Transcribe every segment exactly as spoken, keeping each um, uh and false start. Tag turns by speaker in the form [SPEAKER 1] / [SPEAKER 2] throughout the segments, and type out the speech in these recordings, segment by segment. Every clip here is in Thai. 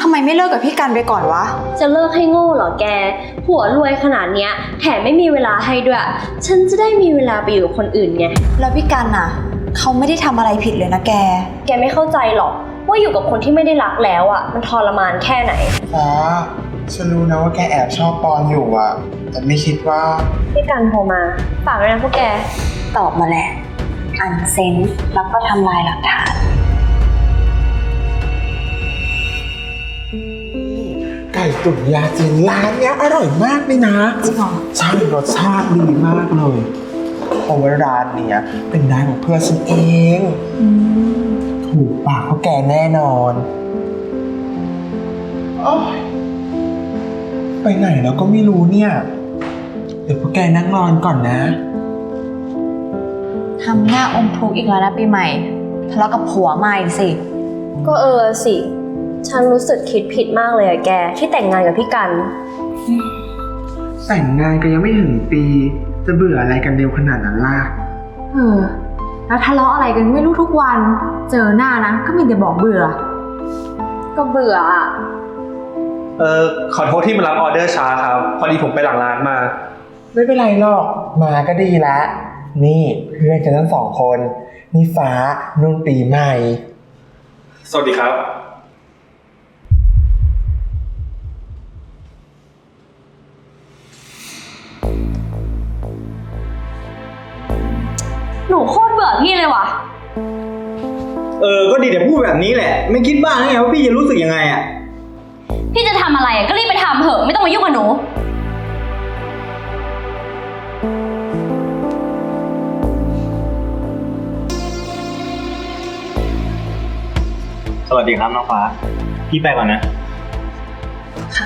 [SPEAKER 1] ำไมไม่เลิกกับพี่กันไปก่อนวะ
[SPEAKER 2] จะเลิกให้โง่เหรอแกผัวรวยขนาดเนี้ยแถมไม่มีเวลาให้ด้วยฉันจะได้มีเวลาไปอยู่กับคนอื่นไง
[SPEAKER 1] แล้วพี่กันน่ะเขาไม่ได้ทำอะไรผิดเลยนะแก
[SPEAKER 2] แกไม่เข้าใจหรอกว่าอยู่กับคนที่ไม่ได้รักแล้วอ่ะมันทรมานแค่ไหน
[SPEAKER 3] ฟ้าฉันรู้นะว่าแกแอบชอบปอนอยู่อ่ะแต่ไม่คิดว่า
[SPEAKER 2] พี่กันโทรมาฝากด้วยนะพวกแก
[SPEAKER 1] ตอบมาแหละอันเซนแล้วก็ทำลายหลักฐาน
[SPEAKER 3] ไก่ตุ๋นยาจีนร้านเนี้ยอร่อยมากเลยนะ
[SPEAKER 1] จริงเหรอ
[SPEAKER 3] ใช่รสชาติดีมากเลยเพราะว่าร้านเนี้ยเป็นร้านของเพื่อนฉันเองถูกปากเขาแกแน่นอนโอ๊ยไปไหนแล้วก็ไม่รู้เนี่ยเดี๋ยวพวกแกนั่งรอนก่อนนะ
[SPEAKER 1] ทำหน้าอมทุกข์อีกแล้วนะปีใหม่ทะเลาะกับผัวมาอีกสิ
[SPEAKER 2] ก็เออสิฉันรู้สึกคิดผิดมากเลยอะแกที่แต่งงานกับพี่กัน
[SPEAKER 3] แต่งงานก็ยังไม่ถึงปีจะเบื่ออะไรกันเร็วขนาดนั้นล่ะ
[SPEAKER 1] เออแล้วทะเลาะอะไรกันไม่รู้ทุกวันเจอหน้านะก็มีแต่บอกเบื่อ
[SPEAKER 2] ก็เบื่ออะ
[SPEAKER 4] เออขอโทษที่มารับออเดอร์ช้าครับพอดีผมไปหลังร้านมา
[SPEAKER 3] ไม่เป็นไรหรอกมาก็ดีแล้วนี่เพื่อนกันทั้งสองคนนี่ฟ้านุ่นปีใหม่
[SPEAKER 4] สวัสดีครับ
[SPEAKER 2] หนูโคตรเบื่อพี่เลยว่ะ
[SPEAKER 5] เออก็ดีแต่พูดแบบนี้แหละไม่คิดบ้างไงว่าพี่จะรู้สึกยังไงอ่ะ
[SPEAKER 2] พี่จะทำอะไรก็รีบไปทำเถอะไม่ต้องมายุ่งกับหนู
[SPEAKER 5] สวัสดีครับน้องฟ้าพี่ไปก่อนนะ
[SPEAKER 1] ค่ะ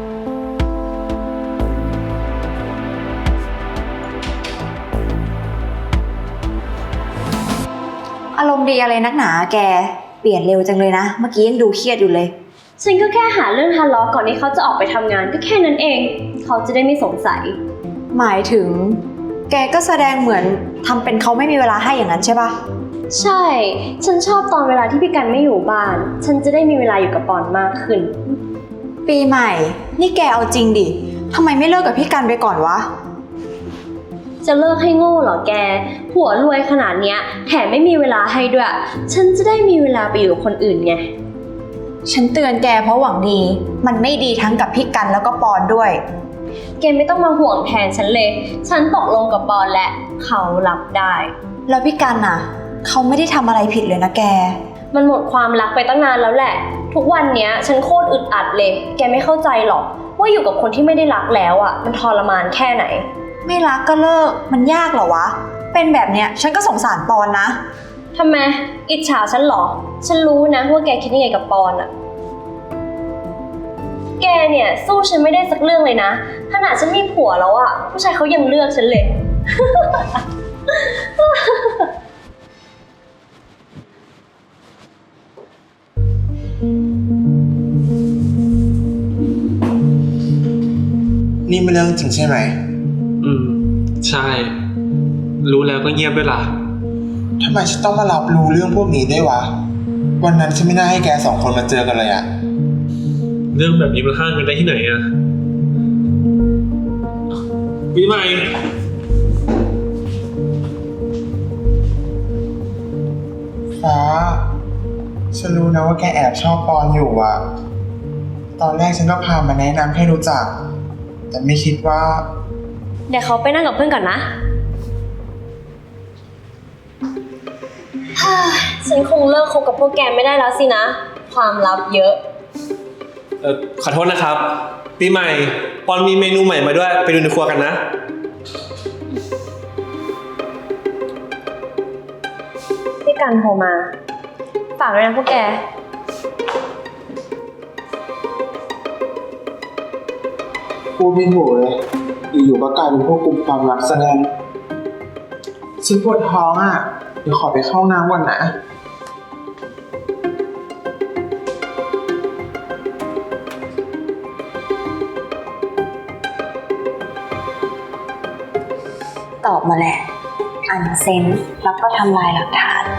[SPEAKER 1] อารมณ์ดีอะไรนักหนาแกเปลี่ยนเร็วจังเลยนะเมื่อกี้ยังดูเครียดอยู่เลย
[SPEAKER 2] ฉันก็แค่หาเรื่องทะเลาะก่อนที่เขาจะออกไปทำงานก็แค่นั้นเองเขาจะได้ไม่สงสัย
[SPEAKER 1] หมายถึงแกก็แสดงเหมือนทำเป็นเขาไม่มีเวลาให้อย่างนั้นใช่ปะ
[SPEAKER 2] ใช่ฉันชอบตอนเวลาที่พี่กันไม่อยู่บ้านฉันจะได้มีเวลาอยู่กับปอนมากขึ้น
[SPEAKER 1] ปีใหม่นี่แกเอาจริงดิทำไมไม่เลิกกับพี่กันไปก่อนวะ
[SPEAKER 2] จะเลิกให้โง่เหรอแกผัวรวยขนาดเนี้ยแถมไม่มีเวลาให้ด้วยฉันจะได้มีเวลาไปอยู่กับคนอื่นไง
[SPEAKER 1] ฉันเตือนแกเพราะหวังดีมันไม่ดีทั้งกับพี่กันแล้วก็ปอนด้วย
[SPEAKER 2] แกไม่ต้องมาห่วงแทนฉันเลยฉันตกลงกับปอนและเขารับได้
[SPEAKER 1] แล้วพี่กันน่ะเขาไม่ได้ทำอะไรผิดเลยนะแก
[SPEAKER 2] มันหมดความรักไปตั้งนานแล้วแหละทุกวันเนี้ยฉันโคตรอึดอัดเลยแกไม่เข้าใจหรอกว่าอยู่กับคนที่ไม่ได้รักแล้วอ่ะมันทรมานแค่ไหน
[SPEAKER 1] ไม่รักก็เลิกมันยากเหรอวะเป็นแบบเนี้ยฉันก็สงสารปอนนะ
[SPEAKER 2] ทำไมอิจฉาฉันเหรอฉันรู้นะว่าแกคิดยังไงกับปอนอ่ะแกเนี่ยสู้ฉันไม่ได้สักเรื่องเลยนะขนาดฉันมีผัวแล้วอ่ะผู้ชายเขายังเลือกฉันเลย
[SPEAKER 3] นี่เป็นเรื่องจริงใช่ไหม
[SPEAKER 4] อืมใช่รู้แล้วก็เงียบด้วยล่ะ
[SPEAKER 3] ทำไมฉันต้องมารับรู้เรื่องพวกนี้ด้วยวะวันนั้นฉันไม่น่าให้แกสองคนมาเจอกันเลยอะ
[SPEAKER 4] เรื่องแบบนี้มันห้ามกันได้ที่ไหนอะปีใหม่
[SPEAKER 3] ฟ้าฉันรู้นะว่าแกแอบชอบปอนอยู่อะตอนแรกฉันก็พามาแนะนำให้รู้จักแต่ไม่คิดว่า
[SPEAKER 2] เดี๋ยวเขาไปนั่งกับเพื่อนก่อนนะฉันคงเลิกคบกับพวกแกไม่ได้แล้วสินะความลับเยอะ
[SPEAKER 4] เออขอโทษนะครับปีใหม่ปอนมีเมนูใหม่มาด้วยไปดูในครัวกันนะ
[SPEAKER 2] พี่กันโทรมาฝากด้วยนะพวกแก
[SPEAKER 3] พูดไม่ถูกเลยอยู่ๆก็กลายเป็นพวกกลุ่มความลับซะงั้นฉันปวดท้องอ่ะเดี๋ยวขอไปเข้าน้ำก่อนนะ
[SPEAKER 1] ตอบมาแหละอันเซนแล้วก็ทำลายหลักฐาน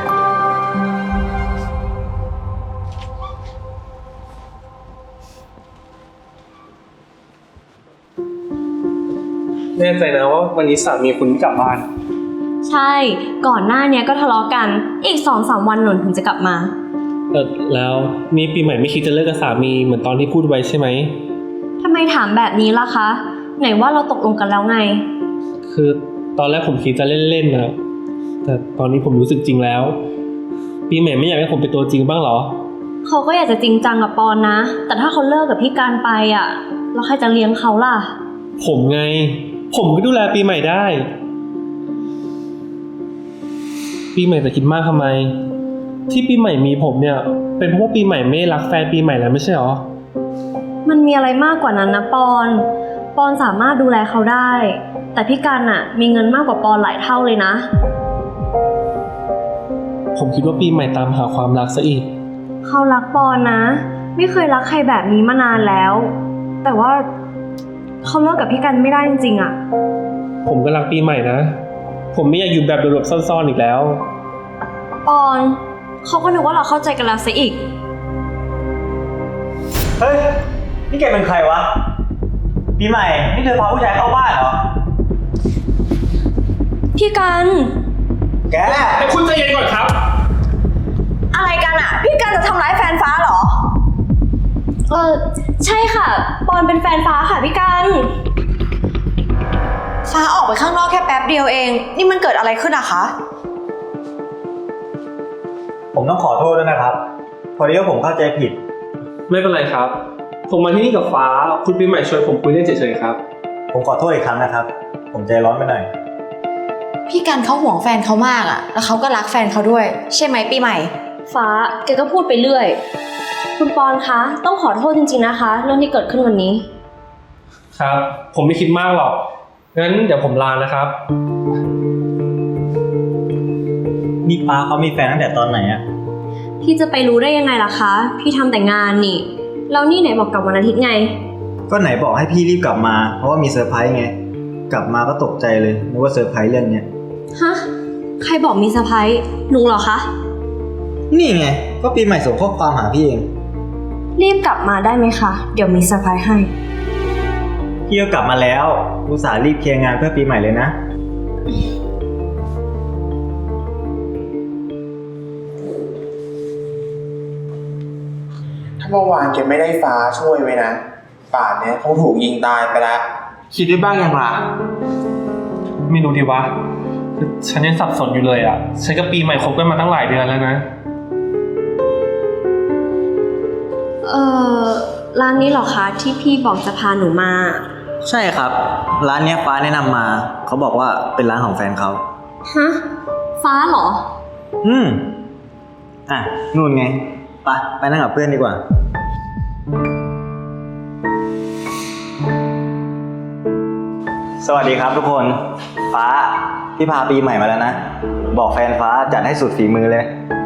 [SPEAKER 4] แน่ใจนะว่าวันนี้สามีคุณไม่กลับบ้าน
[SPEAKER 2] ใช่ ก่อนหน้าเนี้ยก็ทะเลาะกัน อีกสองสามวันหนุนถึงจะกลับมา
[SPEAKER 4] เออแล้วนี่ปีใหม่ไม่คิดจะเลิกกับสามีเหมือนตอนที่พูดไว้ใช่ไหม
[SPEAKER 2] ทำไมถามแบบนี้ล่ะคะ ไหนว่าเราตกลงกันแล้วไง
[SPEAKER 4] คือตอนแรกผมคิดจะเล่นๆนะแต่ตอนนี้ผมรู้สึกจริงแล้ว ปีใหม่ไม่อยากให้ผมเป็นตัวจริงบ้างเหรอ
[SPEAKER 2] เขาก็อยากจะจริงจังกับปอนนะ แต่ถ้าเขาเลิกกับพี่การไปอ่ะแล้วใครจะเลี้ยงเขาล่ะ
[SPEAKER 4] ผมไง ผมก็ดูแลปีใหม่ได้ ปีใหม่จะคิดมากทำไม ที่ปีใหม่มีผมเนี่ย เป็นเพราะว่าปีใหม่ไม่รักแฟนปีใหม่แล้วไม่ใช่หรอ
[SPEAKER 2] มันมีอะไรมากกว่านั้นนะปอน ปอนสามารถดูแลเขาได้ แต่พี่การอ่ะมีเงินมากกว่าปอนหลายเท่าเลยนะ
[SPEAKER 4] ผมคิดว่าปีใหม่ตามหาความรักซะอีก
[SPEAKER 2] เขารักปอนนะ ไม่เคยรักใครแบบนี้มานานแล้ว แต่ว่าเขาเลิกกับพี่กันไม่ได้จริงๆอ่ะ
[SPEAKER 4] ผมก็รักปีใหม่นะ ผมไม่อยากอยู่แบบหลบๆซ่อนๆอีกแล้ว
[SPEAKER 2] ปอนเขาก็นึกว่าเราเข้าใจกันแล้วซะอีก
[SPEAKER 5] เฮ้ย นี่แกเป็นใครวะ ปีใหม่ นี่เธอพาผู้ชายเข้าบ้านเหรอ
[SPEAKER 2] พี่กัน
[SPEAKER 5] แก
[SPEAKER 4] แต่คุณใจเย็นก่อนครับ
[SPEAKER 1] อะไรกันอะพี่กันจะทำร้ายแฟนฟ้าเหรอ
[SPEAKER 2] เออใช่ค่ะ ปอนเป็นแฟนฟ้าค่ะพี่กัน
[SPEAKER 1] ฟ้าออกไปข้างนอกแค่แป๊บเดียวเอง นี่มันเกิดอะไรขึ้นอะคะ
[SPEAKER 5] ผมต้องขอโทษด้วยนะครับ พอดีว่าผมเข้าใจผิด
[SPEAKER 4] ไม่เป็นไรครับ ผมมาที่นี่กับฟ้า คุณปีใหม่ชวนผมคุยเล่นเฉยๆครับ
[SPEAKER 5] ผมขอโทษอีกครั้งนะครับ ผมใจร้อนไปหน่อย
[SPEAKER 1] พี่กันเขาห่วงแฟนเขามากอะแล้วเขาก็รักแฟนเขาด้วย ใช่ไหมปีใหม่
[SPEAKER 2] ฟ้าแกก็พูดไปเรื่อย คุณปอนคะต้องขอโทษจริงๆนะคะ เรื่องที่เกิดขึ้นวันนี้
[SPEAKER 4] ครับ ผมไม่คิดมากหรอก งั้นเดี๋ยวผมลานะครับ
[SPEAKER 5] นี่ป้าเขามีแฟนตั้งแต่ตอนไหนอะ
[SPEAKER 2] พี่จะไปรู้ได้ยังไงล่ะคะ พี่ทำแต่งานนี่ แล้วนี่ไหนบอกกลับวันอาทิตย์ไง
[SPEAKER 5] ก็ไหนบอกให้พี่รีบกลับมา เพราะว่ามีเซอร์ไพรส์ไง กลับมาก็ตกใจเลยนึกว่าเซอร์ไพรส์เรื่องเนี้ย
[SPEAKER 2] ฮะ ใครบอกมีเซอร์ไพรส์หนูเหรอคะ
[SPEAKER 5] นี่ไง ก็ปีใหม่ส่งข้อความหาพี่เอง
[SPEAKER 2] รีบกลับมาได้ไหมคะ เดี๋ยวมีเซอร์ไพรส์ให้
[SPEAKER 5] พี่ก็กลับมาแล้วอุตส่าห์รีบเคลียร์งานเพื่อปีใหม่เลยนะ
[SPEAKER 3] ถ้าเมื่อวานแกไม่ได้ฟ้าช่วยไว้นะ ป่านเนี้ยคงถูกยิงตายไปแล้ว คิดได้บ้างยังล่ะ
[SPEAKER 4] ไม่รู้ดีวะคือฉันยังสับสนอยู่เลยอ่ะ ฉันกับปีใหม่คบกันมาตั้งหลายเดือนแล้วนะ
[SPEAKER 2] เอ่อ ร้านนี้เหรอคะที่พี่บอกจะพาหนูมา
[SPEAKER 5] ใช่ครับ ร้านเนี้ยฟ้าแนะนำมา เขาบอกว่าเป็นร้านของแฟนเขา
[SPEAKER 2] ฮะ ฟ้าเหรอ
[SPEAKER 5] อืม อ่ะ นู่นไง ไปไปนั่งกับเพื่อนดีกว่า สวัสดีครับทุกคน ฟ้า พี่พาปีใหม่มาแล้วนะ บอกแฟนฟ้าจัดให้สุดฝีมือเลย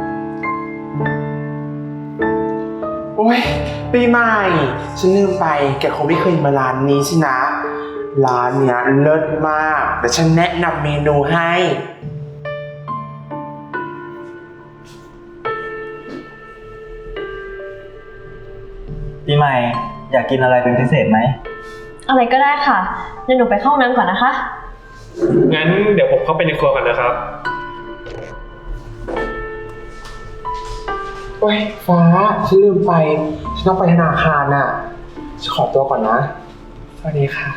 [SPEAKER 3] โอ้ยปีใหม่ ฉันลืมไป แกคงไม่เคยมาร้านนี้สินะ ร้านเนี้ยเลิศมากแต่ฉันแนะนำเมนูให้
[SPEAKER 5] ปีใหม่ อยากกินอะไรเป็นพิเศษไหม
[SPEAKER 2] อะไรก็ได้ค่ะเดี๋ยวหนูไปเข้าห้องน้ำก่อนนะคะ
[SPEAKER 4] งั้นเดี๋ยวผมเข้าไปในครัวกันนะครับ
[SPEAKER 3] โอ้ยฟ้า ฉันลืมไป ฉันต้องไปธนาคารน่ะ ฉันขอตัวก่อนนะ สวัสดีค่ะ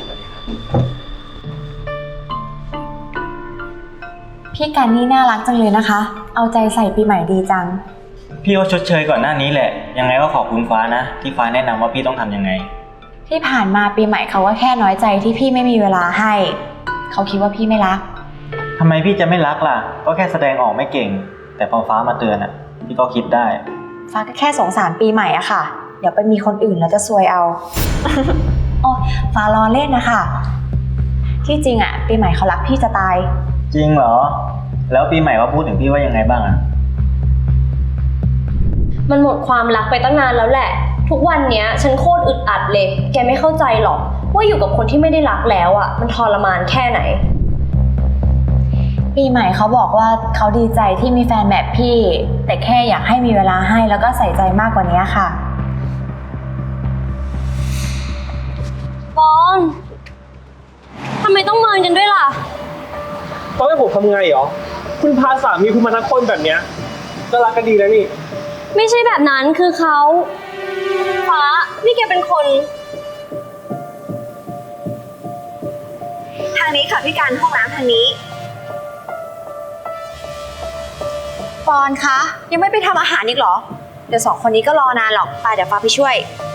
[SPEAKER 1] พี่กันนี่น่ารักจังเลยนะคะ เอาใจใส่ปีใหม่ดีจัง
[SPEAKER 5] พี่ก็ชดเชยก่อนหน้านี้แหละ ยังไงก็ขอบคุณฟ้านะ ที่ฟ้าแนะนำว่าพี่ต้องทำยังไง
[SPEAKER 1] ที่ผ่านมาปีใหม่เขาก็แค่น้อยใจที่พี่ไม่มีเวลาให้ เขาคิดว่าพี่ไม่รัก
[SPEAKER 5] ทำไมพี่จะไม่รักล่ะ ก็แค่แสดงออกไม่เก่ง แต่พอฟ้ามาเตือนอ่ะ พี่ก็คิดได้
[SPEAKER 1] ฟ้าก็แค่สงสารปีใหม่อะค่ะ เดี๋ยวไปมีคนอื่นแล้วจะซวยเอา โอ้ฟ้าล้อเล่นนะคะ ที่จริงอะปีใหม่เขารักพี่จะตาย
[SPEAKER 5] จริงเหรอ แล้วปีใหม่เขาพูดถึงพี่ว่ายังไงบ้างอ่ะ
[SPEAKER 2] มันหมดความรักไปตั้งนานแล้วแหละ ทุกวันเนี้ยฉันโคตรอึดอัดเลย แกไม่เข้าใจหรอกว่าอยู่กับคนที่ไม่ได้รักแล้วอ่ะมันทรมานแค่ไหน
[SPEAKER 1] ปีใหม่เขาบอกว่าเขาดีใจที่มีแฟนแบบพี่ แต่แค่อยากให้มีเวลาให้แล้วก็ใส่ใจมากกว่านี้ค่ะ
[SPEAKER 2] ปอนทำไมต้องเมินกันด้วยล่ะ
[SPEAKER 4] ต้องให้ผมทำไงเหรอ คุณพาสามีคุณมาทั้งคนแบบเนี้ยก็รักกันดีแล้วนี่
[SPEAKER 2] ไม่ใช่แบบนั้นคือเขาฟ้า นี่แกเป็นคน
[SPEAKER 1] ทางนี้ค่ะพี่การห้องน้ำทางนี้ ปอนคะ ยังไม่ไปทำอาหารอีกเหรอ เดี๋ยวสองคนนี้ก็รอนานหรอกไปเดี๋ยวฟ้าไปช่วย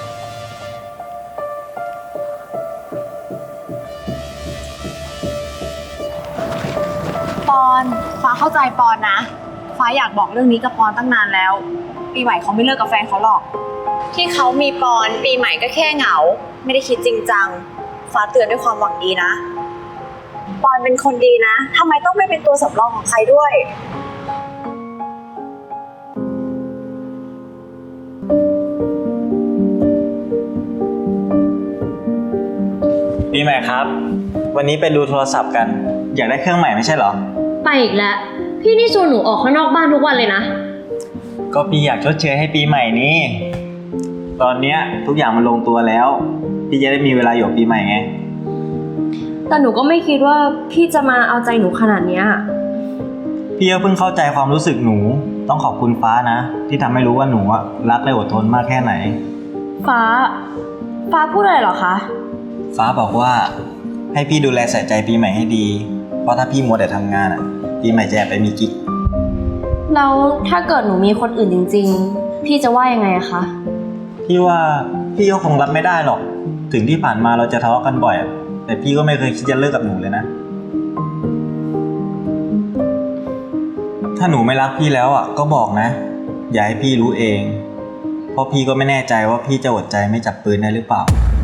[SPEAKER 1] ปอนฟ้าเข้าใจปอนนะ ฟ้าอยากบอกเรื่องนี้กับปอนตั้งนานแล้ว ปีใหม่เขาไม่เลิกกับแฟนเขาหรอก ที่เขามีปอนปีใหม่ก็แค่เหงา ไม่ได้คิดจริงจัง ฟ้าเตือนด้วยความหวังดีนะ ปอนเป็นคนดีนะทำไมต้องไม่เป็นตัวสำรองของใครด้วย
[SPEAKER 5] ปีใหม่ครับ วันนี้ไปดูโทรศัพท์กัน อยากได้เครื่องใหม่ไม่ใช่เหรอ
[SPEAKER 2] ไปอีกแล้ว พี่นี่ชวนหนูออกข้างนอกบ้านทุกวันเลยนะ
[SPEAKER 5] ก็พี่อยากชดเชยให้ปีใหม่นี้ ตอนเนี้ยทุกอย่างมันลงตัวแล้ว พี่จะได้มีเวลาอยู่กับปีใหม่ไง
[SPEAKER 2] แต่หนูก็ไม่คิดว่าพี่จะมาเอาใจหนูขนาดเนี้ย
[SPEAKER 5] พี่ก็เพิ่งเข้าใจความรู้สึกหนู ต้องขอบคุณฟ้านะ ที่ทำให้รู้ว่าหนูอะรักและอดทนมากแค่ไหน
[SPEAKER 2] ฟ้า ฟ้าพูดอะไรเหรอคะ
[SPEAKER 5] ฟ้าบอกว่าให้พี่ดูแลใส่ใจปีใหม่ให้ดี เพราะถ้าพี่มัวแต่ทำงานอะปีใหม่จะแอบไปมีกิ๊ก
[SPEAKER 2] แล้วถ้าเกิดหนูมีคนอื่นจริงๆ พี่จะว่ายังไงอะคะ
[SPEAKER 5] พี่ว่าพี่ก็คงรับไม่ได้หรอก ถึงที่ผ่านมาเราจะทะเลาะกันบ่อยอะแต่พี่ก็ไม่เคยคิดจะเลิกกับหนูเลยนะ ถ้าหนูไม่รักพี่แล้วอ่ะก็บอกนะ อย่าให้พี่รู้เอง เพราะพี่ก็ไม่แน่ใจว่าพี่จะอดใจไม่จับปืนได้หรือเปล่า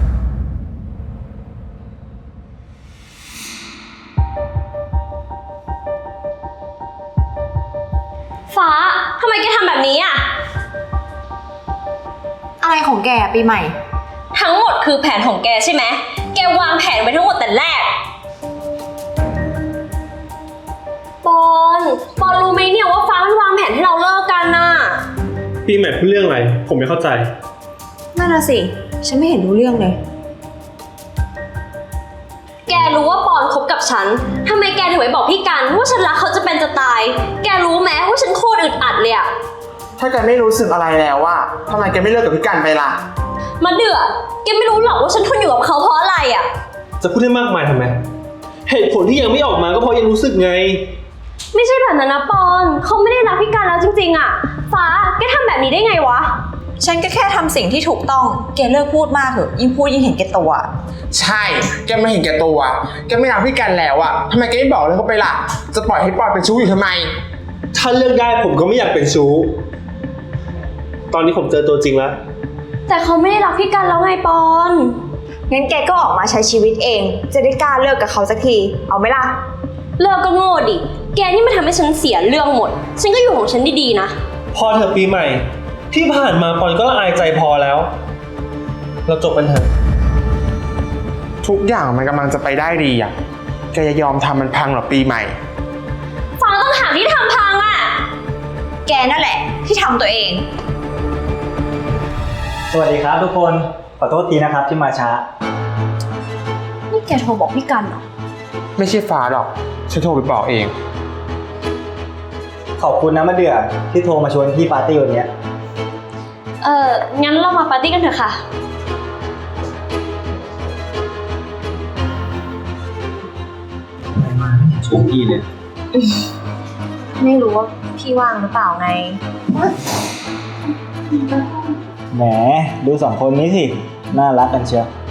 [SPEAKER 2] ฟ้า ทำไมแกทำแบบนี้อะ
[SPEAKER 1] อะไรของแกปีใหม่
[SPEAKER 2] ทั้งหมดคือแผนของแกใช่ไหม แกวางแผนไว้ทั้งหมดแต่แรก ปอน ปอนรู้ไหมเนี่ยว่าฟ้ามันวางแผนให้เราเลิกกันน่ะ
[SPEAKER 4] ปีใหม่พูดเรื่องอะไร ผมไม่เข้าใจ
[SPEAKER 1] นั่นน่ะสิ ฉันไม่เห็นรู้เรื่องเลย
[SPEAKER 2] แกรู้ว่าปอนคบกับฉัน ทำไมแกถึงไม่บอกพี่กันว่าฉันรักเขาจะเป็นจะตาย แกรู้ไหมว่าฉันโคตรอึดอัดเลยอะ
[SPEAKER 3] ถ้าแกไม่รู้สึกอะไรแล้วว่าทำไมแกไม่เลิกกับพี่กันไปล่ะ
[SPEAKER 2] มาเดือดแกไม่รู้หรอกว่าฉันทนอยู่กับเขาเพราะอะไรอะ
[SPEAKER 4] จะพูดให้มากมายทำไม เหตุผลที่ยังไม่ออกมาก็เพราะยังรู้สึกไง
[SPEAKER 2] ไม่ใช่แบบนั้นนะปอน เขาไม่ได้รักพี่กันแล้วจริงๆอะฟ้า แกทำแบบนี้ได้ไงวะ
[SPEAKER 1] ฉันก็แค่ทำสิ่งที่ถูกต้อง แกเลิกพูดมากเถอะ ยิ่งพูดยิ่งเห็นแก่ตัว
[SPEAKER 3] ใช่ แกไม่เห็นแกตัว แกไม่รักพี่กันแล้วอะทำไมแกไม่บอกเลยเขาไปล่ะ จะปล่อยให้ปอยเป็นชู้อยู่ทำไม
[SPEAKER 4] ถ้าเลือกได้ผมก็ไม่อยากเป็นชู้ ตอนนี้ผมเจอตัวจริงแล้ว
[SPEAKER 2] แต่เขาไม่ได้รักพี่กันแล้วไงปอน
[SPEAKER 1] งั้นแกก็ออกมาใช้ชีวิตเอง จะได้กล้าเลิกกับเขาสักที เอาไหมล่ะ
[SPEAKER 2] เลิกก็โง่ดิ แกนี่มาทำให้ฉันเสียเรื่องหมด ฉันก็อยู่ของฉันดีๆนะ
[SPEAKER 4] พอเถอะปีใหม่ ที่ผ่านมาปอนก็ละอายใจพอแล้ว เราจบกันเถอะ
[SPEAKER 3] ทุกอย่างมันกำลังจะไปได้ดีอะแกจะยอมทำมันพังเหรอปีใหม่
[SPEAKER 2] ฟ้าต้องหาที่ทำพังอะ
[SPEAKER 1] แกนั่นแหละที่ทำตัวเอง
[SPEAKER 5] สวัสดีครับทุกคน ขอโทษทีนะครับที่มาช้า
[SPEAKER 2] นี่แกโทรบอกพี่กันเหรอ
[SPEAKER 3] ไม่ใช่ฟ้าหรอก ฉันโทรไปบอกเอง
[SPEAKER 5] ขอบคุณนะมะเดื่อที่โทรมาชวนพี่ปาร์ตี้วันเนี้ย
[SPEAKER 2] เอองั้นเรามาปาร์ตี้กันเถอะค่ะ
[SPEAKER 5] ชวนพี่เลย
[SPEAKER 1] ไม่รู้ว่าพี่ว่างหรือเปล่าไง
[SPEAKER 5] แหมดูสองคนนี้สิ น่ารักกันเชียว